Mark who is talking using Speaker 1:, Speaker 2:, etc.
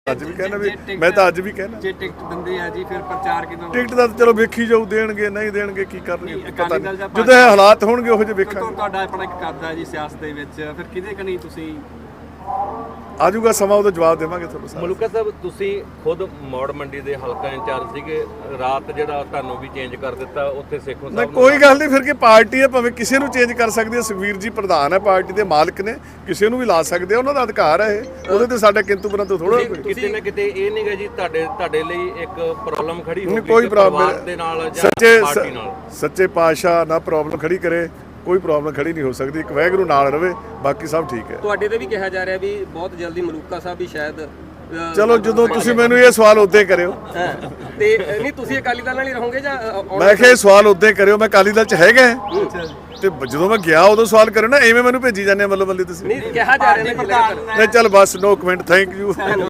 Speaker 1: ਅੱਜ ਵੀ ਕਹਿਣਾ ਵੀ ਮੈਂ ਤਾਂ ਅੱਜ ਵੀ ਕਹਿਣਾ
Speaker 2: ਜੇ ਟਿਕਟ ਦਿੰਦੇ ਆ ਜੀ ਫਿਰ ਪ੍ਰਚਾਰ ਕਿਦੋਂ?
Speaker 1: ਟਿਕਟ ਦਾ ਤਾਂ ਚਲੋ ਵੇਖੀ ਜਾਊ, ਦੇਣਗੇ ਨਹੀਂ ਦੇਣਗੇ ਕੀ ਕਰਨਗੇ ਪਤਾ
Speaker 2: ਅਕਾਲੀ ਦਲ
Speaker 1: ਨਹੀਂ,
Speaker 2: ਜਾਂ
Speaker 1: ਜਦੋਂ ਇਹ ਹਾਲਾਤ ਹੋਣਗੇ ਉਹੋ ਜਿਹੇ ਵੇਖਾਂਗੇ।
Speaker 2: ਤੁਹਾਡਾ ਆਪਣਾ ਇੱਕ ਕਰਦਾ ਜੀ ਸਿਆਸਤ ਦੇ ਵਿੱਚ, ਫਿਰ ਕਿਹਦੇ ਕਨੀ ਤੁਸੀਂ?
Speaker 1: ਆਜੂਗਾ ਸਮਾਂ, ਉਹਦਾ ਜਵਾਬ ਦੇਵਾਂਗੇ ਤੁਹਾਨੂੰ ਸਾਰਾ।
Speaker 3: ਮਲੂਕਾ ਸਾਹਿਬ, ਤੁਸੀਂ ਖੁਦ ਮੌੜ ਮੰਡੀ ਦੇ ਹਲਕਾ ਇੰਚਾਰਜ ਸੀਗੇ, ਰਾਤ ਜਿਹੜਾ ਤੁਹਾਨੂੰ ਵੀ ਚੇਂਜ ਕਰ ਦਿੱਤਾ ਉੱਥੇ ਸੇਖੋਂ
Speaker 1: ਨਹੀਂ
Speaker 3: ਸਾਹਿਬ
Speaker 1: ਕੋਈ ਗੱਲ ਨਹੀਂ, ਫਿਰ ਕੀ ਪਾਰਟੀ ਹੈ, ਭਾਵੇਂ ਕਿਸੇ ਨੂੰ ਚੇਂਜ ਕਰ ਸਕਦੀ ਹੈ। ਸੁਖਵੀਰ ਜੀ ਪ੍ਰਧਾਨ ਹੈ, ਪਾਰਟੀ ਦੇ ਮਾਲਕ ਨੇ, ਕਿਸੇ ਨੂੰ ਵੀ ਲਾ ਸਕਦੇ ਆ, ਉਹਨਾਂ ਦਾ ਅਧਿਕਾਰ ਹੈ ਇਹ, ਉਹਦੇ ਤੇ ਸਾਡਾ ਕਿੰਤੂ ਪਰੰਤੂ ਥੋੜਾ ਕੋਈ।
Speaker 3: ਕਿਤੇ ਨਾ ਕਿਤੇ ਇਹ ਨਹੀਂਗਾ ਜੀ ਤੁਹਾਡੇ ਲਈ ਇੱਕ ਪ੍ਰੋਬਲਮ ਖੜੀ ਹੋ ਗਈ
Speaker 1: ਕੋਈ ਪ੍ਰੋਬਲਮ
Speaker 3: ਦੇ ਨਾਲ ਜਾਂ ਪਾਰਟੀ ਨਾਲ?
Speaker 1: ਸੱਚੇ ਪਾਤਸ਼ਾਹ ਨਾ ਪ੍ਰੋਬਲਮ ਖੜੀ ਕਰੇ, ਕੋਈ ਪ੍ਰੋਬਲਮ ਖੜੀ ਨਹੀਂ ਹੋ ਸਕਦੀ। ਇੱਕ ਵਾਹਿਗੁਰੂ ਨਾਲ ਰਵੇ, ਬਾਕੀ ਸਭ ਠੀਕ ਹੈ।
Speaker 4: ਤੁਹਾਡੇ ਤੇ ਵੀ ਕਿਹਾ ਜਾ ਰਿਹਾ ਵੀ ਬਹੁਤ ਜਲਦੀ ਮਲੂਕਾ ਸਾਹਿਬ ਵੀ ਸ਼ਾਇਦ
Speaker 1: ਚਲੋ ਜਦੋਂ ਤੁਸੀਂ ਮੈਨੂੰ ਇਹ ਸਵਾਲ ਉਦੋਂ ਕਰਿਓ।
Speaker 4: ਤੇ ਨਹੀਂ ਤੁਸੀਂ ਅਕਾਲੀ ਦਲ ਨਾਲ ਹੀ ਰਹੋਗੇ ਜਾਂ
Speaker 1: ਮੈਂ ਕਿਹਾ ਇਹ ਸਵਾਲ ਉਦੋਂ ਕਰਿਓ, ਮੈਂ ਅਕਾਲੀ ਦਲ ਚ ਹੈਗਾ ਤੇ ਜਦੋਂ ਮੈਂ ਗਿਆ ਉਦੋਂ ਸਵਾਲ ਕਰਿਓ ਨਾ, ਐਵੇਂ ਮੈਨੂੰ ਭੇਜੀ ਜਾਂਦੇ ਮੱਲੋ ਮੱਲੀ ਤੁਸੀਂ।
Speaker 4: ਨਹੀਂ ਕਿਹਾ ਜਾ ਰਿਹਾ
Speaker 1: ਨਹੀਂ ਚੱਲ ਬਸ, ਨੋ ਕਮੈਂਟ, ਥੈਂਕ ਯੂ।